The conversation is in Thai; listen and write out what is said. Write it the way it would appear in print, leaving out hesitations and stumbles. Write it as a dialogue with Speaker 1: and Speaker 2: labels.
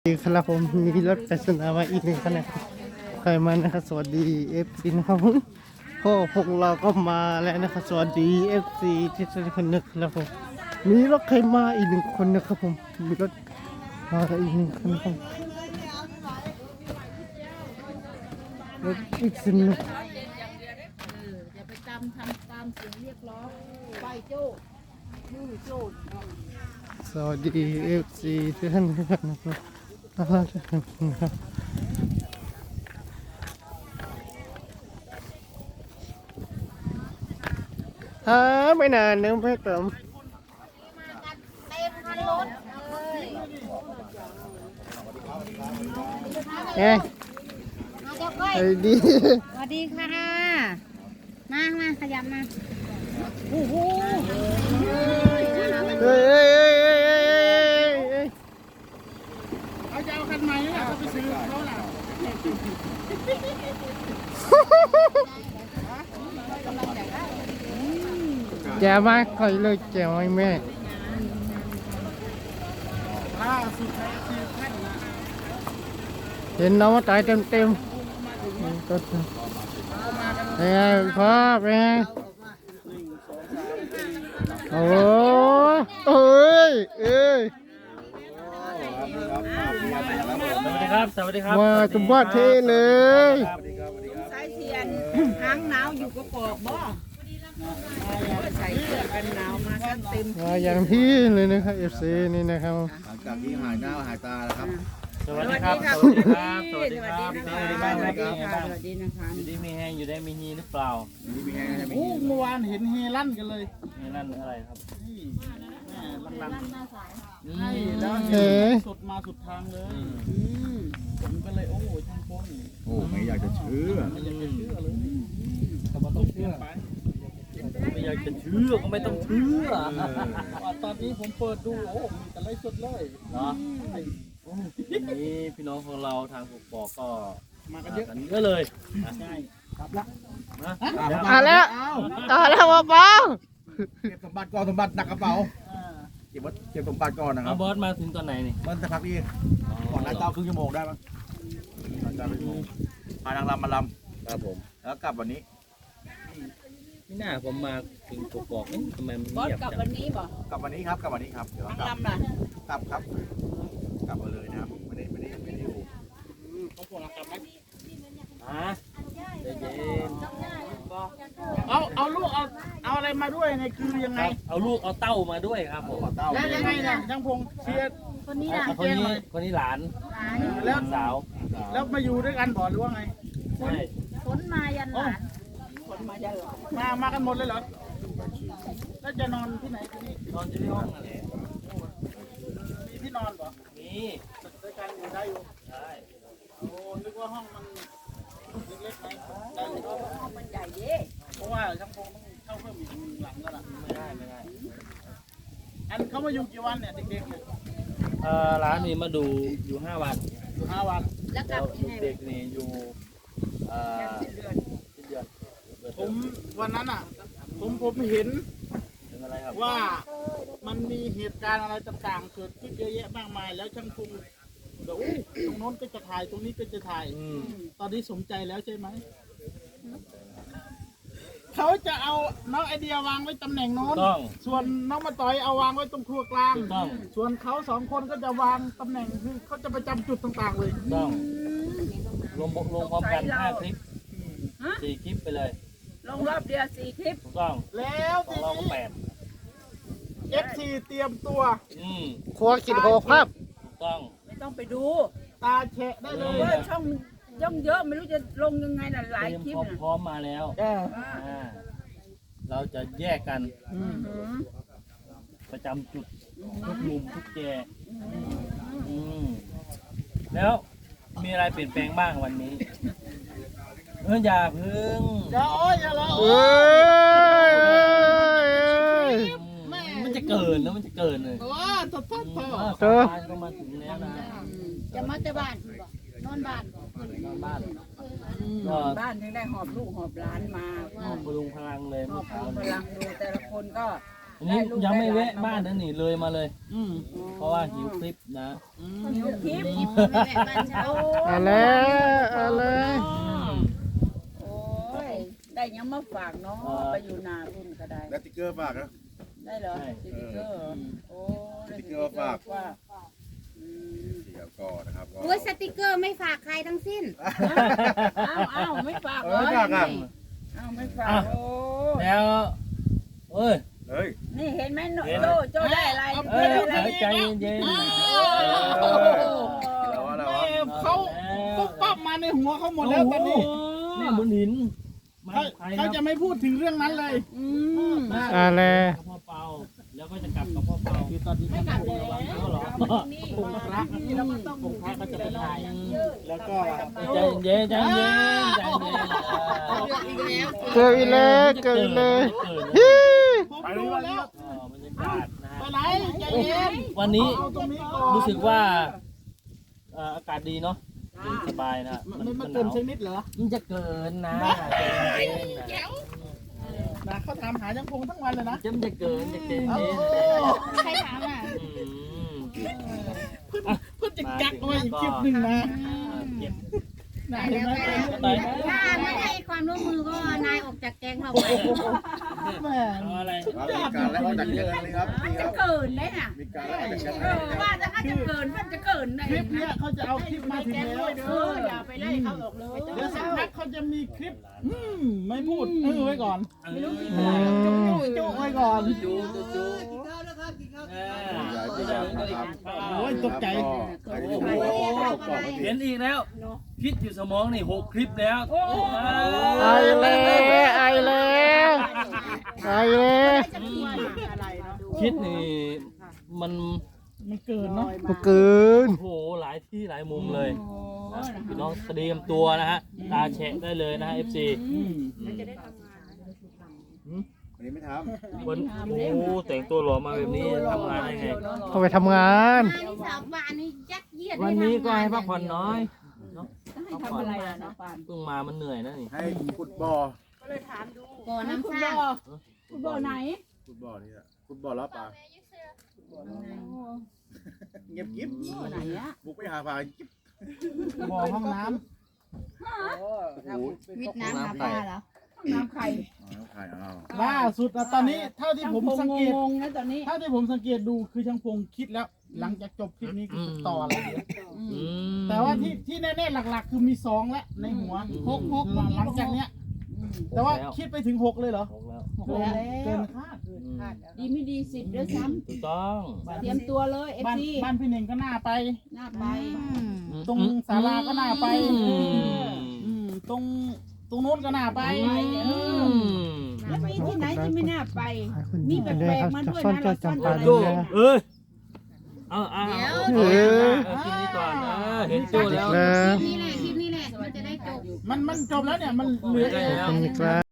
Speaker 1: ครับผมมีรถปริศนามาอีกหนึ่งคันนะครับใครมานะครับสวัสดีเอฟซีนะครับผมพ่อพวกเราก็มาแล้วนะครับสวัสดีเอฟซีที่ทุกคนนะครับผมมีรถใครมาอีกหนึ่งคนนะครับผมมีรถมาอีกหนึ่งคันครับรถอีกสินนะ
Speaker 2: อย่าไปทำตามเสียงเรียกร้องไปโจ้มือโจ้
Speaker 1: สวัสดีเอฟซีทุกท่านนะครับนะครับไม่นานนึกไม่เติม
Speaker 2: เต็มคันรถเลย
Speaker 1: เฮ้ย
Speaker 2: มาเจ้าก้อย
Speaker 1: ไอ้ดี
Speaker 2: สวัสดีค่ะมาขยับมาโอ้โห
Speaker 1: เฮ้ย
Speaker 3: เอาจะเอาคันใหม่นี่แหละเขาไปซื้อเขาล่ะ
Speaker 1: แกมากคอยเลยแกไม่แม่
Speaker 3: ล่าสุดในคือแค่นนะ
Speaker 1: เห็นน้องมาตายเต็มก็เป็นไงพ่อเป็นไงโอ้เอ้ย
Speaker 4: สวัสดีครับ สวัสดีครับ
Speaker 1: มาตุ้มบ้าเทเลย
Speaker 2: สายเทียนค้างหนาวอยู่ก็ปอกบ่ใส่เสื้อกันหนาวมากันเต็ม
Speaker 1: มาอย่างพี่เลยนะครับเอฟซีนี่นะครับ
Speaker 5: หลังจากที่หายหน้าหายตาแล้วครับ
Speaker 4: สวัสดีครับ สวัสดีครับ สวัสดีครับ
Speaker 2: ส
Speaker 4: ส
Speaker 2: วั
Speaker 4: วั
Speaker 2: ส
Speaker 4: ส
Speaker 2: ดี
Speaker 4: ดี
Speaker 2: ค่ะ
Speaker 4: บ้าง
Speaker 2: ส
Speaker 4: ไหม
Speaker 2: วัส
Speaker 4: ค
Speaker 2: ดี
Speaker 4: รับ
Speaker 2: ค่ะสวัสดีนะคะ
Speaker 4: อยู่ได้มีแห้งอยู่ได้มีฮีหรือเปล่า
Speaker 5: นี่เป็นไงใช่ไหม
Speaker 3: โอ้เมื่อวานเห็นเฮลั่นกันเลย
Speaker 4: นี่นั่นอะไรครับ
Speaker 3: นี่แม่ลัง
Speaker 4: นี่
Speaker 3: ๆให้แล้ว
Speaker 1: เอ๋
Speaker 3: สุดมาสุดทางเลยผมก็เลยโอ้ช่างพง
Speaker 5: โอ้ไม่อยากจะเชื่อ
Speaker 3: ไม่อยากจะเชื่อเลย
Speaker 4: ก็ไม่ต้องเชื่อ
Speaker 3: ไป
Speaker 4: ไม่อยากจะเชื่อก็ไม่ต้องเชื่อ
Speaker 3: ตอนนี้ผมเปิดดูโอ้มีแต่ไลฟ์สดเลย
Speaker 4: เนาะนี่พี่น้องของเราทางกกอกก็
Speaker 3: มากันเยอะ
Speaker 4: กันเยอะเลย
Speaker 3: ใช่ครับละ
Speaker 4: นะ
Speaker 1: อ่ะแล้วต่อแล้วเบา
Speaker 5: เก็บสมบัติก่อนสมบัติหนักกระเป๋าเก็บสมบัติก่อนนะค
Speaker 4: เอา
Speaker 5: รับบ
Speaker 4: อสมาถึงตอนไหนนี่
Speaker 5: มันจะพักนี่ก่อนนายเต้าครึ่งชั่วโมงได้ปะนายเต้าครึ่งชั่วโมงพานางรำมาล
Speaker 4: ครับผม
Speaker 5: ำแล้วกลับวันนี้
Speaker 4: ไม่น่าผมมาถึงกกอกนี่ทำไมมัน
Speaker 2: บอส
Speaker 4: เงียบ
Speaker 2: กลับ
Speaker 4: จัง
Speaker 2: วันนี้บ่
Speaker 5: กลับวันนี้ครับกลับวันนี้ครับเดี๋ยวเรากลับ
Speaker 2: ลำล่ะ
Speaker 5: กลับครับกลับมาเลยนะครับไม่ได้อยู่
Speaker 3: เขาพวกเรากลับไหม
Speaker 4: ฮะใจเย็น
Speaker 3: เอาลูกเอาอะไรมาด้วยเนี่ยคือยังไง
Speaker 4: เอาลูกเอาเต้ามาด้วยครับผม
Speaker 5: ขอเต้า
Speaker 3: แล้วยังไงเนี่ยช่างพงเชียร์
Speaker 2: คนนี้ล่ะ
Speaker 4: คนนี้หลาน
Speaker 3: แล้ว
Speaker 4: สาว
Speaker 3: แล้วมาอยู่ด้วยกันบ่หรือว่าไง
Speaker 4: ใช่
Speaker 2: ฝนมายันหลานฝนมายันหลาน
Speaker 3: มากันหมดเลยเหรอแล้วจะนอนที่ไหนทีนี้
Speaker 4: นอนอยู่ที่ห้องนั่นแหละ
Speaker 3: มีที่นอนบ่
Speaker 4: นี่
Speaker 3: ด้วยกันอยู่ได้อยู่
Speaker 4: ใช่
Speaker 3: โอ้นึกว่าห้องมันเล็กๆไหมได้อยู่
Speaker 2: ห้องมันใหญ่เด้
Speaker 3: เพราะว่าช่างพงต้องเข้าเพิ่มอีกหลังแล้วล่ะ
Speaker 4: ไม่ได้
Speaker 3: อันเขามาอยู่กี่วันเนี่ยเด็กๆเนี่ย
Speaker 4: ร้านนี้มาดูอยู่5 วัน
Speaker 3: อยู่5 วัน
Speaker 2: แล้วก
Speaker 4: แล้
Speaker 2: ลับ
Speaker 4: ว
Speaker 2: ยังไง
Speaker 4: เด็กนี่อยู่สิ้นเดือน
Speaker 3: ผมวันนั้นอ่ะผมเห็น
Speaker 4: ถึงอะไรครับ
Speaker 3: ว่ามันมีเหตุการณ์อะไรต่างๆเกิดขึ้นเยอะแยะมากมายแล้วช่างพงบอกโอ้ยตรงโน้นก็จะถ่ายตรงนี้ก็จะถ่าย ตอนนี้สมใจแล้วใช่ไหม เขาจะเอาน้องไอเดียวางไว้ตำแหน่งโน้น
Speaker 4: ต้อง
Speaker 3: ส่วนน้องมาต่อยเอาวางไว้ตรงครัวกลาง
Speaker 4: ถูกต้อง
Speaker 3: ส่วนเขาสองคนก็จะวางตำแหน่งคือเขาจะประจำจุดต่างๆเลย
Speaker 4: ต้องลงพร้อมกัน5 คลิป 4 คลิปไปเลย
Speaker 2: ลงรอบเดียว4 คลิป
Speaker 4: ถูกต้อง
Speaker 3: แล้ว
Speaker 4: ขอ
Speaker 3: ที
Speaker 4: งเราก็
Speaker 3: นี้ FC เตรียมตัว
Speaker 4: 8
Speaker 1: ครัวกินโหภาพ
Speaker 4: ถูกต้อง
Speaker 2: ไม่ต้องไปดู
Speaker 3: ตาแฉะได้เลย
Speaker 2: เว่าช่องย่องเยอะไม่รู้จะลงยังไงน่ะหลาย
Speaker 4: เตรียม
Speaker 2: คลิปน่ะ
Speaker 4: พร้อมมาแล้ว
Speaker 2: อ่า
Speaker 4: เราจะแยกกัน
Speaker 2: อือหือ
Speaker 4: ประจำจุดทุกมุมทุกแจแล้วมีอะไรเปลี่ยนแปลงบ้างวันนี้อย่าพึ่ง
Speaker 3: อย่าโอ้ยอย่าละ
Speaker 1: เอ
Speaker 3: โอ้ย้
Speaker 1: ย
Speaker 4: มันจะเกินแล้วมันจะเกินเลย
Speaker 3: ว้าทดทดทด
Speaker 1: เจอ
Speaker 4: บ้านก็มาถึงแล้วนะ
Speaker 2: จะมาแต่บ้านบ่นอนบ้านบ่
Speaker 4: นอนบ้าน
Speaker 2: บ้านถึงได้หอบลูกหอบหลานมา
Speaker 4: พลุงพลังเลย
Speaker 2: หอ
Speaker 4: เมื่
Speaker 2: บ
Speaker 4: อ
Speaker 2: ลู
Speaker 4: เช้าก
Speaker 2: พลังดูแต่ละคนก็
Speaker 4: อันนี้ยังไม่แวะบ้านนั่นนี่เลยมาเลย
Speaker 3: อืม
Speaker 4: เพราะว่าหิวคลิปนะ
Speaker 2: หิวทิพย์
Speaker 1: เอาแล้วเอาเลย
Speaker 2: โอ้ยได้ยังมาฝากเนาะไปอยู่นารุ่นก็ได้
Speaker 5: แล้วติ๊กเกอร์ฝากนะ
Speaker 2: ได้เหรอสติ๊กเกอร์โอ้ได้
Speaker 5: สติ๊กเกอร์ฝาก
Speaker 2: อืม
Speaker 5: เดี๋ยวก็นะครับก็
Speaker 6: โอ้ยสติกเกอร์ไม่ฝากใครทั้งสิ้น
Speaker 2: อ้าวไม่ฝาก
Speaker 5: ไม่ฝากอ่ะ
Speaker 2: อ้าวไม่ฝากโอ้
Speaker 4: แล้วเอ้ย
Speaker 5: เฮ้ย
Speaker 2: นี่เห็นไหมโจได้อะไร
Speaker 4: เอ้ย
Speaker 2: ได้อะไร
Speaker 4: ใจเย็น
Speaker 5: แล้วอะไรวะ
Speaker 3: เขาปุ๊บปั๊บมาในหัวเขาหมดแล้วตอนนี้
Speaker 4: แม่บุญหิน
Speaker 3: เขาจะไม่พูดถึงเรื่องนั้นเลย
Speaker 2: อืม
Speaker 1: เอาแล้ว
Speaker 4: กับพ่อเปาแล้วก็จะกลับกับพ่อเปา
Speaker 3: คือตอนนี้ไม่กลับเลย
Speaker 4: แล้วเหรอ
Speaker 3: องค์พระเราก็ต้ององค์พระก็จะไปถ่ายแล้วก็
Speaker 4: ใจเย็นใจเย็นใจเย็น
Speaker 1: เกิดอีกแล้วเกิดอีกแล้วฮิ
Speaker 3: ผมดูแล้ว
Speaker 4: บรรยากาศนะ
Speaker 3: ไป
Speaker 4: ฮะ
Speaker 3: ไหนใจเย็น
Speaker 4: วันนี้
Speaker 3: เอาตรงนี้ก่อน
Speaker 4: รู้สึกว่าอากาศดีเนาะเย็นสบายนะ
Speaker 3: มันเกินสักนิดเหรอ
Speaker 4: มันจะเกินนะใจเย็นนะ
Speaker 3: นะเขาถามหายังคงทั้งวันเลยนะ
Speaker 4: มันจะเกินจะเกิน
Speaker 3: โอ้
Speaker 4: เย็น
Speaker 6: ใครถามอ่ะ
Speaker 3: เพื่อจะกักไว้อีกคลิปหนึ่งนะ
Speaker 4: เก็บ
Speaker 3: นะเห็นไหม
Speaker 4: ไป
Speaker 6: ถ้าไม่ให้ความร่วมมือก็นายออกจากแก๊งเราไป
Speaker 3: แม่
Speaker 4: เอาอะไร
Speaker 5: มีการไล่ออกจากเยอะเลยครับนี่ค
Speaker 6: จะ
Speaker 5: รับ
Speaker 6: เกินได้น่ะ
Speaker 5: มีการไล่ออกจากเย
Speaker 6: เอ
Speaker 5: อะ
Speaker 6: อว่าจะถ้าจะเกินมันจะเกินได้
Speaker 3: คลิปเนี้ยเขาจะเอาคลิปมาถึงแล้ว
Speaker 6: เอออย่าไปไล่เขาออกเลย
Speaker 3: เดี๋ยวสักพักเขาจะมีคลิปไม่พูดไว้ก่อน
Speaker 4: ไม่รู้
Speaker 3: จุไว้ก่อน
Speaker 4: จูจู
Speaker 3: โอ้ยตกใจ
Speaker 4: เห็นอีกแล้ว คิดอยู่สมองนี่6 คลิปแล้ว
Speaker 1: ไอแล้วไอแล้วไอแล้ว
Speaker 4: คิดนี่มัน
Speaker 3: มันเกินเนาะ
Speaker 1: มันเกิน
Speaker 4: โอ้โหหลายที่หลายมุมเลยนะพี่น้องเตรียมตัวนะฮะตาแฉะได้เลยนะฮะ FC
Speaker 5: วันนี้ไม่ท
Speaker 4: วันโอ้แต่งตัวหล่อมาแบบนี้ทำงานได้ไง
Speaker 1: เขาไปทำงาน
Speaker 6: นายสาวบ้านนี่ยัดเยียด
Speaker 4: วันนี้ก็ให้พักผ่อนน้อยเนาะพักผ่อน
Speaker 2: อะไรนะปาน
Speaker 4: เพิ่งมามันเหนื่อยนะนี่
Speaker 5: ำให้ฟุตบอล
Speaker 6: บ่อน้ำซ่า
Speaker 2: ฟุตบอลไหน
Speaker 5: ฟุตบอลนี่แหละฟุตบอลแล้วปลาเงียบกิ๊บ
Speaker 2: ไหนอะ
Speaker 5: บุกไปหาปลากิ๊บ
Speaker 3: บ่อห้องน้
Speaker 5: โอ้โห
Speaker 6: วิทน้ำหาปลาเหรอ
Speaker 2: น้ำไข่
Speaker 5: น้ำไข่อ้าว
Speaker 3: ำล่าสุดนะตอนนี้เท่าที่ผมสังเกต
Speaker 2: งงนะตอนนี้
Speaker 3: เท่าที่ผมสังเกตดูคือช่างพงคิดแล้ว หลังจากจบคลิปนี้คือจะต่ออะไรเดี๋ยว
Speaker 4: อืม
Speaker 3: แต่ว่าที่แน่ๆหลักๆ คือมี2แล้วในหัวหกหลังจากเนี้ย แต่ว่าคิดไปถึง6เลยเหรอ
Speaker 4: หกแล้ว
Speaker 3: เกินคาด
Speaker 4: อืม
Speaker 2: ดีไม่ดี10ด้วยซ้
Speaker 4: ถูกต้อง
Speaker 2: ำเตรียมตัวเลยเอฟ
Speaker 3: บ้าน
Speaker 2: ซี
Speaker 3: บ้านพี่เน่งก็น่าไป
Speaker 2: หน้าไป
Speaker 3: ตรงศาลาก็น่าไป ตรงโน้นก็น่าไป
Speaker 2: แล้วมีที่ไหนที่ไม่น่าไป
Speaker 1: ให้คุณ
Speaker 2: มี
Speaker 1: ดู
Speaker 2: แป
Speaker 1: กันด้วย
Speaker 2: ล
Speaker 1: ค
Speaker 2: ก
Speaker 1: รับ
Speaker 2: ๆมา
Speaker 1: จะ
Speaker 2: ด้วย
Speaker 1: ซ่อน
Speaker 2: นะ
Speaker 1: เจ้า
Speaker 2: เราซ่อน
Speaker 1: จำปา
Speaker 2: อะไร
Speaker 1: ดูนะครับ
Speaker 4: เอ้ยเอากินนี้ก่อนเห็นโจ้แล้ว
Speaker 1: แล้ว
Speaker 6: คลิปนี้แหละมันจะได้จบ
Speaker 3: มันจบแล้วเนี่ยมันเหลือ
Speaker 4: ได้แล้ว
Speaker 1: ขอบคุณครับ